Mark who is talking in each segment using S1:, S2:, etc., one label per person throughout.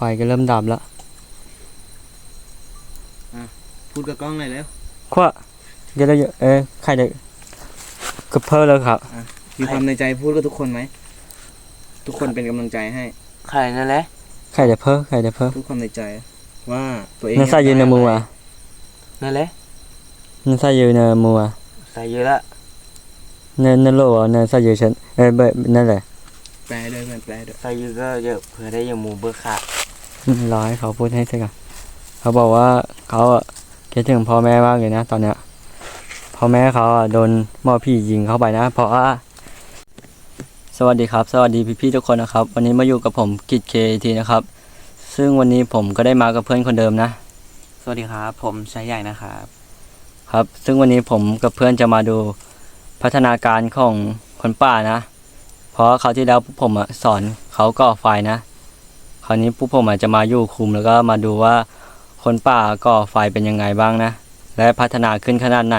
S1: ก็เริ่มดับแล้ว
S2: พูดกับกล้องหน่อยแล้ว
S1: ขวะเดี๋ยวใครเด็กกระเพาะแล้วครับ
S2: มีความในใจพูดกับทุกคนไหมทุกคนเป็นกำลังใจให้
S3: ใครนั่นแหละ
S1: ใครจะเพ้อ
S2: ทุกความในใจว่าตัวเอง
S1: นั่นใส่ยืนในมือ
S3: นั่นแหละ
S1: นั่นใส่ยืนในมือ
S3: ใส่เยอะละ
S1: นั่นโลนั่นใส่ยืนฉันนั่นแหละ
S2: แปลด้วยมันแปลด้วย
S3: ใส่เยอะก็เยอะเผื่อได้อย่างหมูเบอร์ขาด
S1: รอให้เขาพูดให้เสร็จก่อนเขาบอกว่าเขาคิดถึงพ่อแม่มากเลยนะตอนเนี้ยพ่อแม่เขาโดนหม้อพี่ยิงเข้าไปนะเพราะว่าสวัสดีครับสวัสดีพี่ๆทุกคนนะครับวันนี้มาอยู่กับผมกิจเคทีนะครับซึ่งวันนี้ผมก็ได้มากับเพื่อนคนเดิมนะ
S3: สวัสดีครับผมชายใหญ่นะครับ
S1: ครับซึ่งวันนี้ผมกับเพื่อนจะมาดูพัฒนาการของคนป่านะเพราะคราวที่แล้วพวกผมสอนเขาก่อไฟนะคราวนี้พวกผมจะมาอยู่คุมแล้วก็มาดูว่าคนป่าก่อไฟเป็นยังไงบ้างนะและพัฒนาขึ้นขนาดไหน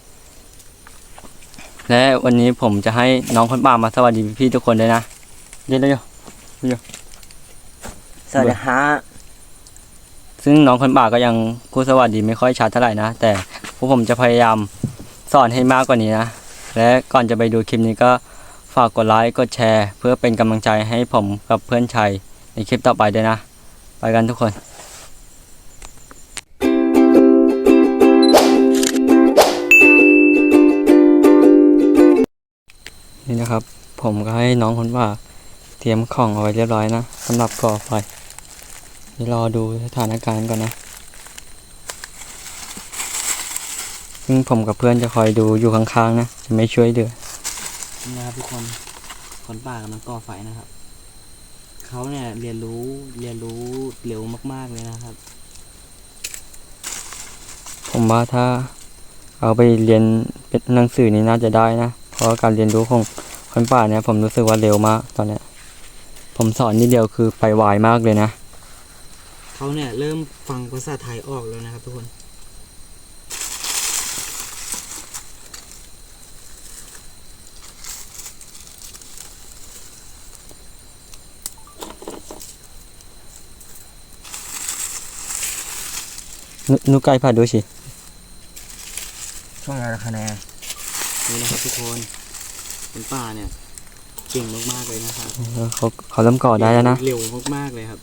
S1: และวันนี้ผมจะให้น้องคนป่ามาสวัสดีพี่ทุกคนด้วยนะเดี๋ยว
S3: สวัสดีฮะ
S1: ซึ่งน้องคนป่าก็ยังพูดสวัสดีไม่ค่อยชัดเท่าไหร่นะแต่พวกผมจะพยายามสอนให้มากกว่านี้นะและก่อนจะไปดูคลิปนี้ก็ฝากกดไลค์กดแชร์เพื่อเป็นกำลังใจให้ผมกับเพื่อนชัยในคลิปต่อไปด้วยนะไปกันทุกคนนี่นะครับผมก็ให้น้องคนป่าเตรียมของเอาไว้เรียบร้อยนะสำหรับก่อไฟเดี๋ยวรอดูสถานการณ์ก่อนนะซึ่งผมกับเพื่อนจะคอยดูอยู่ข้างๆนะจะไม่ช่วยเดือ
S3: นี่นะครับทุกคนป่ากำลังก่อไฟนะครับเขาเนี่ยเรียนรู้เร็วมากๆเลยนะครับ
S1: ผมว่าถ้าเอาไปเรียนเป็นหนังสือนี่น่าจะได้นะเพราะการเรียนรู้ของคนป่าเนี่ยผมรู้สึกว่าเร็วมากตอนเนี้ยผมสอนนิดเดียวคือไปไวมากเลยนะ
S3: เขาเนี่ยเริ่มฟังภาษาไทยออกแล้วนะครับทุกคน
S1: นุไก่ผ่าดูสิ
S3: ช่วงอะไรคะแนนนี่นะครับทุกคนคนป่าเนี่ยเก่งมากๆเลยนะครับ
S1: เขาเริ่มก่อได้แล้วนะ
S3: เร็วมากๆเลยครับ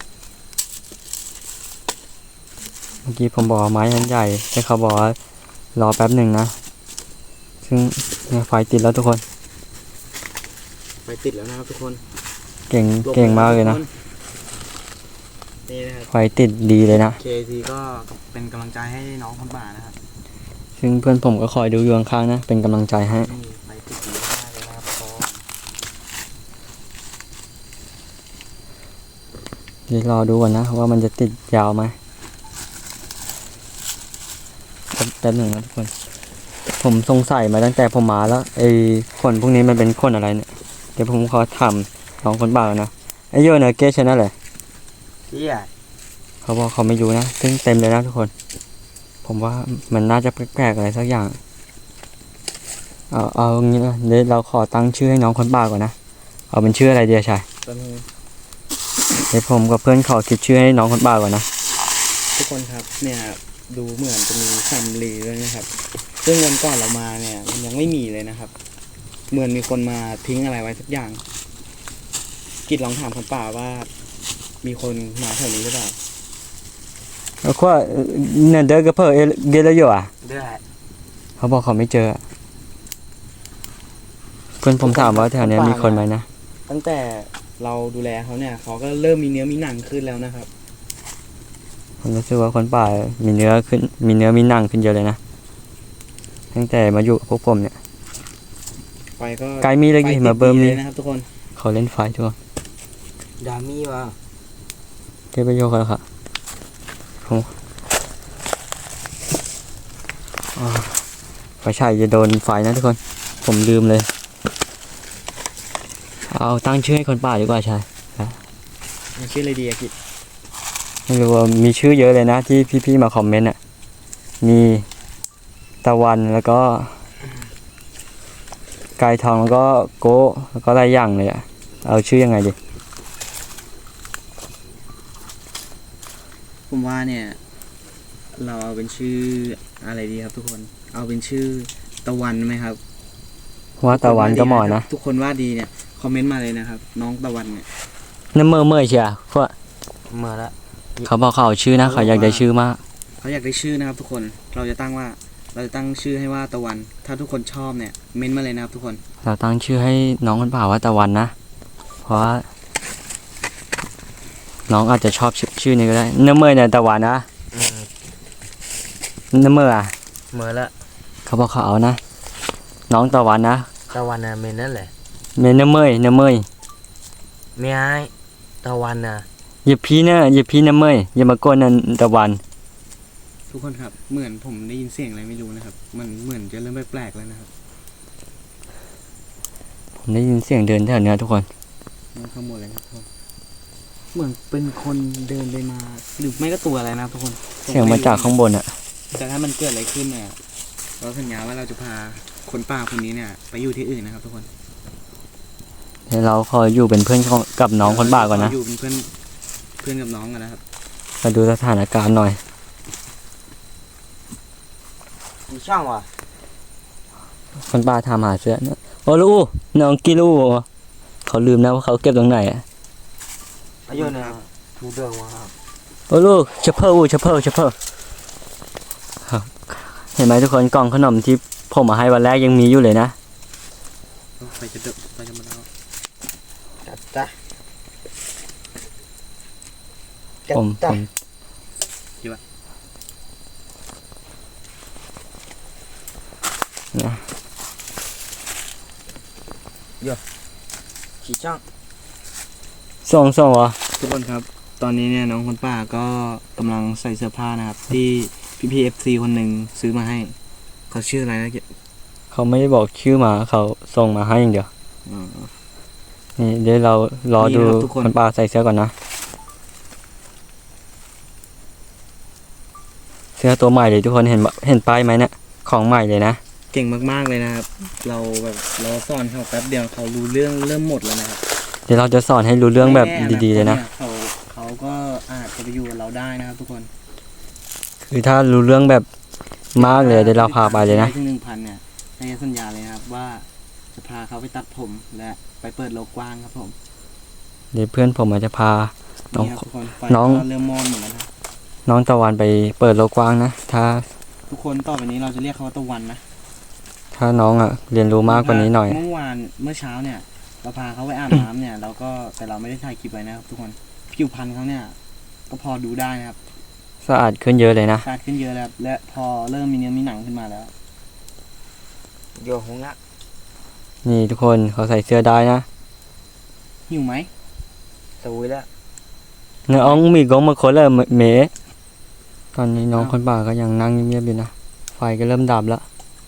S1: เมื่อกี้ผมบอกไม้นั้นใหญ่แต่เขาบอกว่ารอแป๊บหนึ่งนะซึ่งไฟติดแล้วทุกคน
S3: ไฟติดแล้วนะครับทุกคน
S1: เก่งมากเลยนะ
S3: นี่นะครับ
S1: ไฟติดดีเลยนะ
S3: เคทีก็เป็นกำลังใจให้น้องคนป่านะครับ
S1: ซึ่งเพื่อนผมก็คอยดูอยู่ข้างๆนะเป็นกำลังใจให้
S3: ไฟติดดีมากเลยนะครับ
S1: เดี๋ยวรอดูก่อนนะว่ามันจะติดยาวไหมแป๊บหนึ่งนะทุกคนผมสงสัยมาตั้งแต่ผมมาแล้วไอ้ขนพวกนี้มันเป็นขนอะไรเนี่ยเดี๋ยวผมขอถามน้องคนบ้านะไอ้โยเนอร์เกชนั่นแหละเขาบอกเขาไม่รู้นะซึ่งเต็มเลยนะทุกคนผมว่ามันน่าจะแปลกๆอะไรสักอย่างเอางี้นะเดี๋ยวเราขอตั้งชื่อให้น้องคนบ้าก่อนนะเอาเป็นชื่ออะไรเดียชายเดี๋ยวผมกับเพื่อนขอคิดชื่อให้น้องคนบ้าก่อนนะ
S3: ทุกคนครับเนี่ยดูเหมือนจะมีสำลีด้วยนะครับซึ่งวันก่อนเรามาเนี่ยมันยังไม่มีเลยนะครับเหมือนมีคนมาทิ้งอะไรไว้สักอย่างกิจลองถามคนป่าว่ามีคนมาแถวนี้หรือเปล่า
S1: แล้วก็เนี่ยเดินกับเพื่อนเกลอยู่
S3: ได้
S1: เขาบอกเขาไม่เจอเพื่อนผมถามว่าแถวนี้มีคนไหมนะ
S3: ตั้งแต่เราดูแลเขาเนี่ยเขาก็เริ่มมีเนื้อมีหนังขึ้นแล้วนะครับ
S1: ผมรู้สึกว่าคนป่ามีเนื้อมีหนังขึ้นเยอะเลยนะตั้งแต่มาอยู่กับพวกผมเนี่ย
S3: ไฟก็
S1: ไกลมีเลยมาเบิร์มมี
S3: นะครับทุกคน
S1: เขาเล่นไฟทุกคน
S3: ดามี่วะ
S1: เก็บไปโยกแล้วค่ะไฟฉายจะโดนไฟนะทุกคนผมลืมเลยเอาตั้งชื่อให้คนป่าดีกว่าชาย
S3: ชื่ออะไรดีอะกิจ
S1: ไม่รู้ว่ามีชื่อเยอะเลยนะที่พี่ๆมาคอมเมนต์มีตะวันแล้วก็ไก่ทองแล้วก็โก้แล้วก็หลายอย่างเลยเอาชื่อยังไงดี
S2: ผมว่าเนี่ย เราเอาเป็นชื่ออะไรดีครับ ทุกคน เอาเป็นชื่อตะวันไหมครับ
S1: ว่าตะวันก็เหมาะนะ
S2: ทุกคนว่าดีเนี่ยคอมเมนต์มาเลยนะครับ น้องตะวันเนี่ย
S1: น้ำเมื่อยเชียพวก
S3: มาละ
S1: เขาบอกเขาเอาชื่อนะเขาอยากได้ชื่อมาก
S2: เขาอยากได้ชื่อนะครับ ทุกคนเราจะตั้งชื่อให้ว่าตะวัน ถ้าทุกคนชอบเนี่ยเม้นต์มาเลยนะครับ ทุกคน
S1: เราตั้งชื่อให้น้องคนป่าว่าตะวันนะ เพราะว่าน้องอาจจะชอบชื่อนี้ก็ได้น้ำเมื่อยเนี่ยตะวันนะน้ำเมื่อยอะ
S3: เมื่อละ
S1: เขาบอกเขาเอานะ น้องตะวันนะ
S3: ตะวันน่ะเมนนั่นแหละ
S1: เมนน้ำเมื่อยน้ำเมื่อย
S3: ไม่ไอ้ตะวันน่ะ
S1: อย่าพี่เนอะอย่าพี่น้ำเมื่อยอย่ามาโกนนั่นตะวัน
S2: ทุกคนครับเหมือนผมได้ยินเสียงอะไรไม่รู้นะครับ มันเหมือนจะเริ่มแปลกๆแล้วนะครับ
S1: ผมได้ยินเสียงเดินแถวเนี้ยทุกคน
S2: มันขโมยอะไรครับทุกคนเหมือนเป็นคนเดินไปมาหรือไม่ก็ตัวอะไรนะครับทุกคน
S1: เสียงมาจากข้างบนอะ
S2: แต่ถ้ามันเกิดอะไรขึ้นเนี่ยเราสัญญาว่าเราจะพาคนป่าคนนี้เนี่ยไปอยู่ที่อื่นนะครับ ทุกคน
S1: เดี๋ยวเราขออยู่เป็นเพื่อนกับน้องคนป่าก่อนนะ
S2: อยู่เป็นเพื่อนกับน้องกันนะครับ
S1: มาดูสถานการณ์หน่อย
S3: มีช่างว่ะ
S1: คนป่าทำหาเสื้อนะโอ้ลูกน้องกิลูเขาลืมนะว่าเขาเก็บตรงไหนอะ
S3: อายุเนี่ยทูเดิงว่ะครับ
S1: โอ้ลูกเชฟเฟอร์ครับเห็นไหมทุกคนกล่องขนมที่ผมมาให้วันแรกยังมีอยู่เลยนะ
S2: ไปจะมาแล้ว
S3: จัดจ้ะ
S1: ผมนะ
S3: ขี่ช่าง
S1: ส่งเหรอ
S2: ทุกคนครับ ตอนนี้เนี่ยน้องคนป่าก็กำลังใส่เสื้อผ้านะครับ ที่พี่ FC คนหนึ่งซื้อมาให้ เขาชื่ออะไรนะ
S1: เขาไม่ได้บอกชื่อมาเขาส่งมาให้อย่างเดียว
S2: อ๋อ
S1: นี่เดี๋ยวเรารอ
S2: นี่
S1: ดู
S2: นะครับทุกคน
S1: คนป่าใส่เสื้อก่อนนะ เสื้อตัวใหม่เลยทุกคนเห็นป้ายไหมเนี่ยของใหม่เลยนะ
S2: เก่งมากๆเลยนะครับ เราสอนเขาแป๊บเดียวเขารู้เรื่องเริ่มหมดแล้วนะครับ
S1: เดี๋ยวเราจะสอนให้รู้เรื่องแบบ
S2: ไม่แน่
S1: ดีๆเลยนะ
S2: เขาก็อาจจะไปอยู่กับเราได้นะครับ ทุกคน
S1: คือถ้ารู้เรื่องแบบมากเลยเดี๋ยวเราพาไปเลยนะ
S2: ถึง 1,000 เนี่ยให้สัญญาเลยนะครับว่าจะพาเขาไปตัดผมและไปเปิดโลกกว้างครับผม
S1: เดี๋ยวเพื่อนผมอาจจะพาน้อง
S2: นี่ครับทุกคนไฟ
S1: น้อง
S2: ก็เริ่มมอดหมดแล้วนะ
S1: น้องตะวันไปเปิดโลกกว้างนะถ้า
S2: ทุกคนต่อไปนี้เราจะเรียกเขาว่าตะวันนะ
S1: ถ้าน้องเรียนรู้มากกว่านี้หน่อย
S2: เมื่อเช้าเนี่ย เราพาเขาไปอาบน้ำเนี่ยเราแต่เราไม่ได้ถ่ายคลิปไว้นะครับ ทุกคนผิวพรรณเขาเนี่ย ก็พอดูได้นะครับ
S1: สะอาดขึ้นเยอะเลยนะ
S2: สะอาดขึ้นเยอะแล้วครับและพอเริ่มมีเนื้อมีหนังขึ้นมาแล้ว
S3: โยหงละ
S1: นี่ทุกคนเขาใส่เสื้อได้นะ
S2: หิวไหม
S3: สวยละ
S1: น้องมีกงมาคนละเมตอนนี้น้องคนป่าก็ยังนั่งเงียบๆอยู่นะไฟก็เริ่มดับแล้ว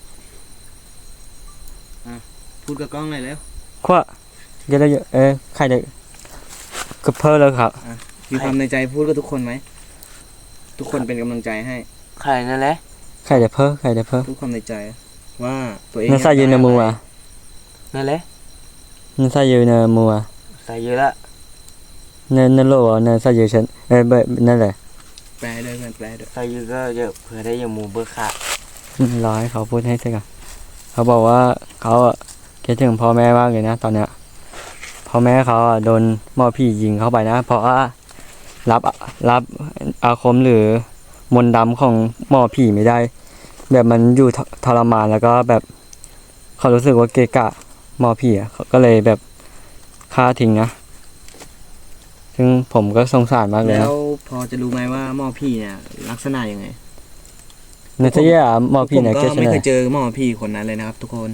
S2: พูดกับกล้องหน่อยเร็ว
S1: ขวะเดี๋ยวใครจะกระเพาะแล้วครับ
S2: มีความในใจพูดกับทุกคนไหมทุกคนเป็นกำลังใจให้
S3: ใครนั่นแหละ
S1: ใครจะเพ้อ
S2: พูดความในใจว่าตัวเอง
S1: นั่นใส่ยืนในมืออ่ะ
S3: นั่นแหละ
S1: นั่นใส่ยืนในมืออ่ะ
S3: ใส่เยอะละ
S1: นั่นโลอ่ะนั่นใส่ยืนฉันแบบนั่นแหละ
S2: แปลด้วยเพื่อนแปลด้วย
S3: ใส่เยอะก็เยอะเผื่อได้อยาหมูเบอร์ขาด
S1: รอให้เขาพูดให้เสร็จก่อนเขาบอกว่าเขาคิดถึงพ่อแม่มากเลยนะตอนเนี้ยพ่อแม่เขาโดนหม้อพี่ยิงเข้าไปนะ เพราะว่ารับอาคมหรือมนต์ดำของหม้อผีไม่ได้ แบบมันอยู่ทรมานแล้วก็แบบเขารู้สึกว่าเกะกะหม้อผีเขาก็เลยแบบฆ่าทิ้งนะซึ่งผมก็สงสารมากเลย
S2: แล้
S1: นะ
S2: วพอจะรู้ไหมว่าหมอพี่เนี่ยลักษณะยังไง
S1: ในเสียหม้อผีเนี่ย
S2: ผม
S1: เก
S2: ก็
S1: ช
S2: ไม่
S1: นะ
S2: เคยเจอหมอพี่คนนั้นเลยนะครับ ทุกคน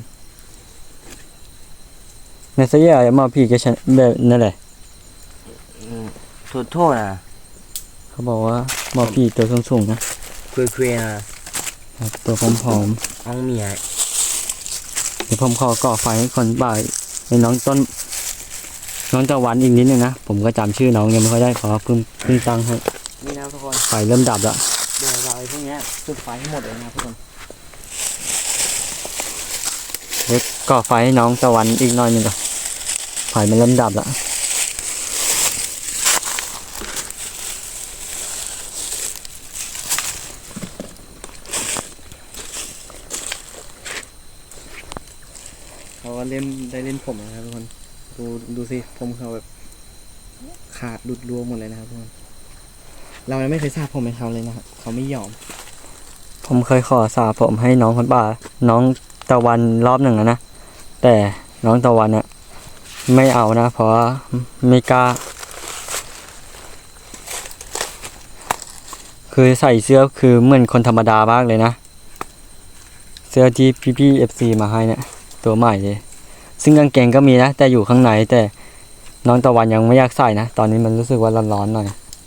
S1: ในเสียหม้อผีเกชนะแบบนั่นแหละ
S3: โทษนะ
S1: เขาบอกว่าหม้อผีตัวสูงๆนะ
S3: คุยนะ
S1: ตัวผอม
S3: เอาเมีย
S1: ๆเดี๋ยวผมขอก่อไฟให้คนบ่ายในน้องตะวันอีกนิดนึงนะผมก็จำชื่อน้องยังไม่ค่อยได้ขอเพิ่งตั้งให้
S2: นี่นะครับทุกคน
S1: ไฟเริ่มดับแล้ว
S2: เดี๋ยวเราไอ้พวกเนี้ยจุดไฟให้หมดเลยนะครับทุกคน
S1: เดี๋ยวก่อไฟให้น้องตะวันอีกหน่อยหนึงก่อนไฟมันเริ่มดับแล้ว
S3: ก็เล่นได้เล่นผมนะครับทุกคนดูสิผมเขาแบบขาดหลุดร่วงหมดเลยนะครับทุกคนเรายังไม่เคยสระผมให้เขาเลยนะครับเขาไม่ยอม
S1: ผมเคยขอสระผมให้น้องคนป่าน้องตะวันรอบหนึ่งแล้วนะแต่น้องตะวันเนี่ยไม่เอานะเพราะว่าไม่กล้าคือใส่เสื้อคือเหมือนคนธรรมดามากเลยนะเสื้อที่พี่ๆ FC มาให้เนี่ยตัวใหม่เลยซึ่งกางเกงก็มีนะแต่อยู่ข้างในแต่น้องตะวันยังไม่อยากใส่นะตอนนี้มันรู้สึกว่าร้อนๆหน่อย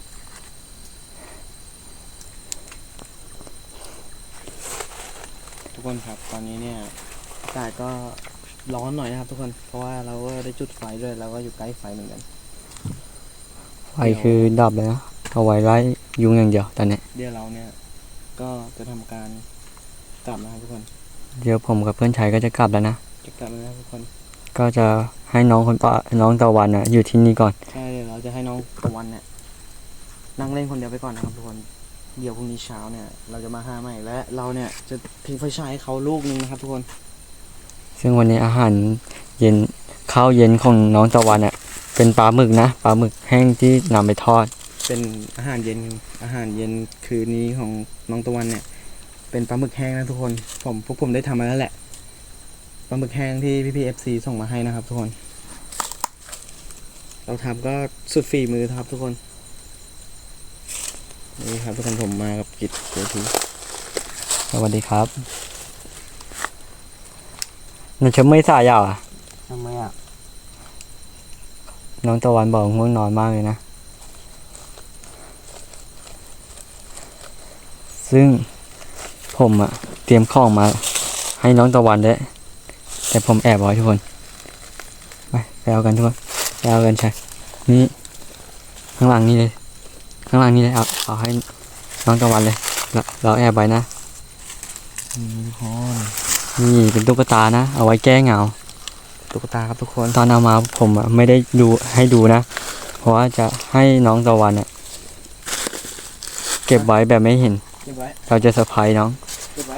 S3: ทุกคนครับตอนนี้เนี่ยอากาศก็ร้อนหน่อยนะครับทุกคนเพราะว่าเราก็ได้จุดไฟด้วยเราก็อยู่ใกล้ไฟเหมือนกัน
S1: ไฟคือดับเลยนะเอาไว้ไล่ยุงอย่างเดียวตอนนี้
S3: เดี๋ยวเราเนี่ยก็จะทำการกลับนะครับทุกคน
S1: เดี๋ยวผมกับเพื่อนชายก็จะกลับแล้วนะ
S3: จะกลับแล้วนะครับทุกคน
S1: ก็จะให้น้องคนป่าน้องตะวันน่ะอยู่ที่นี่ก่อน
S3: ใช่เดี๋ยวเราจะให้น้องตะวันเนี่ยนั่งเล่นคนเดียวไปก่อนนะครับทุกคนเดี๋ยวพรุ่งนี้เช้าเนี่ยเราจะมาหาใหม่และเราเนี่ยจะทิ้งไฟฉายให้เขาลูกนึงนะครับทุกคน
S1: ซึ่งวันนี้อาหารเย็นข้าวเย็นของน้องตะวันน่ะเป็นปลาหมึกนะปลาหมึกแห้งที่นำไปทอด
S3: เป็นอาหารเย็นคืนนี้ของน้องตะวันเนี่ยเป็นปลาหมึกแห้งนะทุกคนพวกผมได้ทำมาแล้วแหละปลาหมึกแห้งที่พี่ๆ FC ส่งมาให้นะครับทุกคน เราทำก็สุดฝีมือครับทุกคนนี่ครับทุกคนผมมากับกิจเจที
S1: สวัสดีครับมันจะไม่สายอ่ะ
S2: ทำไมอ่ะ
S1: น้องตะวันบอกง่วงนอนมากเลยนะซึ่งผมอ่ะเตรียมของมาให้น้องตะวันด้วยแต่ผมแอบไว้ทุกคนไปเอากันทุกคนไปเอากันใช่นี่ข้างหลังนี่เลยข้างหลังนี่เลยเอาให้น้องตะวันเลยเราแอบไว้นะ
S3: ทุกคน
S1: นี่เป็นตุ๊กตานะเอาไว้แก้เหงา
S3: ตุ๊กตาครับทุกคน
S1: ตอนเอามาผมอ่ะไม่ได้ดูให้ดูนะเพราะว่าจะให้น้องตะวันอ่ะเก็บไว้แบบไม่เห็น
S3: เก็บไว้
S1: เราจะเซอร์ไพรส์น้อง
S3: เก็บไว้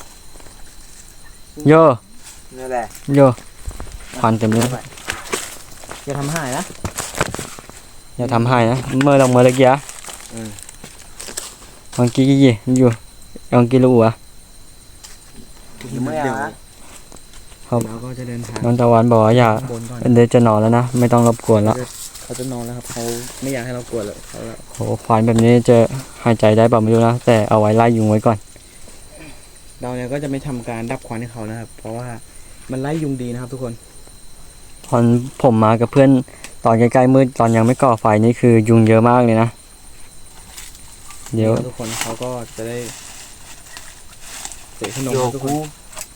S1: โย
S2: นี่แหละ
S1: โยควันเต็มเลย
S3: อย่าทำหายนะ
S1: อย่าทำให้นะเมื่อเราเมื่อกี้อะ
S3: อืม
S1: ลองกี้อยู่ลองกี้รู้อ่ะ
S3: เดี๋ยวเราก็จะเดินทาง
S1: น้องตะวันบอกว่าอย่า
S3: บนก่อน
S1: เดี๋ยวจะนอนแล้วนะไม่ต้องรบกวนแล้ว
S3: เขาจะนอนแล้วครับเขาไม่อยากให้เรากลัวเลยเขาแล้ว
S1: โหควันแบบนี้จะหายใจได้เปล่าไม่รู้นะแต่เอาไว้ไล่ยุงไว้ก่อน
S3: เราเนี่ยก็จะไม่ทำการดับควันให้เขานะครับ เพราะว่ามันไล่ยุงดีนะครับ ทุกคน
S1: ตอนผมมากับเพื่อนตอนใกล้ๆมืดตอนยังไม่ก่อไฟนี่คือยุงเยอะมากเลยนะเดี๋ยว
S3: ทุกคนเขาก็จะได้เตะขนม
S2: โย
S3: ครับทุกค
S2: กู
S3: น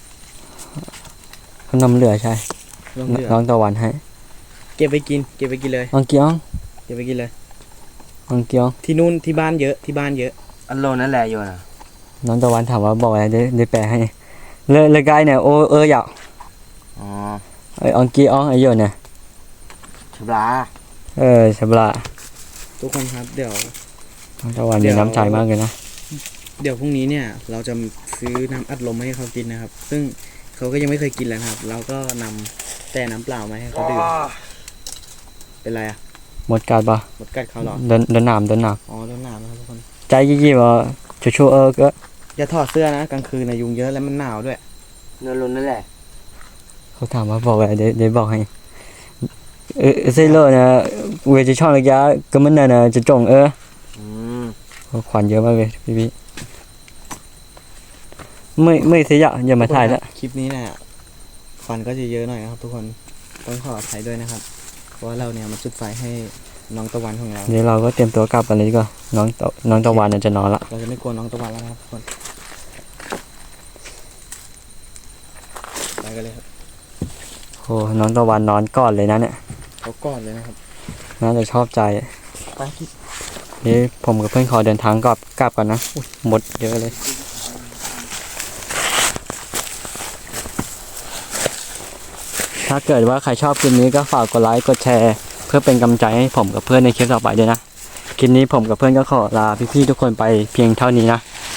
S1: ขนมเหลือใช่
S3: ลองเหลือ
S1: น้องตะวันให้
S3: เก็บไปกินเลย
S1: ลองเกี้ยง
S3: เก็บไปกินเลย
S1: ลองเกี้ยง
S3: ที่นู่นที่บ้านเยอะที่บ้านเยอะ
S2: อันโลนั่นแหละโยนะ
S1: น้องตะวันถามว่าบอกอะไรได้แปลให้เลยกายเนี่ยโออยาก
S2: อ๋อ
S1: ไออองกี้อองไอโยเนี่ย
S2: ฉบลา
S1: ฉบละ
S3: ทุกคนครับเดี๋ยว
S1: น้องตะวัน
S3: เดี๋
S1: มี
S3: ยว
S1: น้ำใจมากเลยนะ
S3: เดี๋ยวพรุ่งนี้เนี่ยเราจะซื้อน้ำอัดลมมาให้เขากินนะครับ ซึ่งเขาก็ยังไม่เคยกินเลยนะครับ เราก็นำแต่น้ำเปล่ามาให้เขาดื่มเป็นไรอ่ะ
S1: หมดการปะ
S3: หมดกัดเขาเหรอ
S1: เดินหนาม
S3: อ๋อโดนหนาวนะครับทุกคน
S1: ใจยี่ว่าชัวก็
S3: อย่าถอดเสื้อนะกลางคืนนะยุงเยอะแล้วมันหนาวด้วย
S2: เนื้อล้นนั่นแหละ
S1: เขาถามว่าบอกอะไรเดี๋ยวบอกให้เซโลนะเวจะช่องระยะก็มันน่ะจะจง
S2: อืม
S1: ขวัญเยอะมากเลยพี่ไม่เสียอย่ามาถ่ายละ
S3: คลิปนี้เนี่ยควันก็จะเยอะหน่อยนะครับ ทุกคนต้องขออภัยด้วยนะครับ เพราะว่าเราเนี่ยมาจุดไฟให้น้องตะวันของเรา
S1: เดี๋ยวเราก็เตรียมตัวกลับกันเลยดีกว่าน้องตะวันจะนอนละ
S3: เราจะไม่กลัวน้องตะวันแล้วนะครับทุกคนไปกันเลยครับ
S1: โอ้น้องตะวันนอนก่อนเลยนะเนี่ย
S3: เขากอดเลยนะครับ
S1: น่าจะชอบใจ
S3: ไป
S1: นี่ผมกับเพื่อนขอเดินทางกลับก่อนนะหมดเยอะเลยถ้าเกิดว่าใครชอบคลิปนี้ก็ฝากกดไลค์กดแชร์เพื่อเป็นกำลังใจให้ผมกับเพื่อนในคลิปต่อไปด้วยนะคลิปนี้ผมกับเพื่อนก็ขอลาพี่ๆทุกคนไปเพียงเท่านี้นะ